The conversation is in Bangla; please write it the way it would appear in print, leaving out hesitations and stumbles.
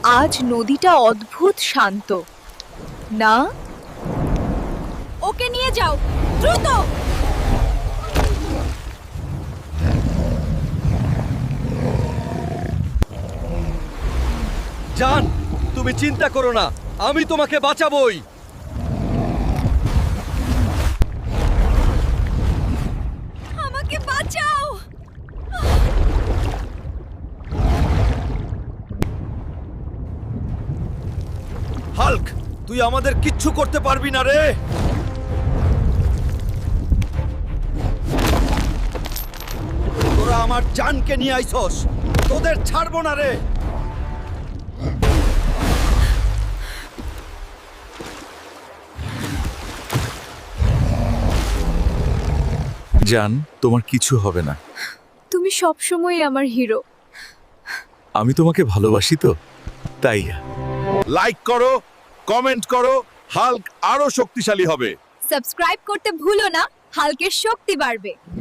আজ নদীটা অদ্ভুত শান্ত না? ওকে নিয়ে যাও দ্রুত। জান, তুমি চিন্তা করো না, আমি তোমাকে বাঁচাবই। আমাকে বাঁচাও। হাল্ক, তুই আমাদের কিচ্ছু করতে পারবি না রে। তোরা আমার জানকে নিয়ে আইছস, তোদের ছাড়বো না রে। জান, তোমার কিছু হবে না। তুমি সবসময় আমার হিরো। আমি তোমাকে ভালোবাসি তো, তাই। লাইক করো, কমেন্ট করো, হাল্ক আরো শক্তিশালী হবে। সাবস্ক্রাইব করতে ভুলো না, হাল্কের শক্তি বাড়বে।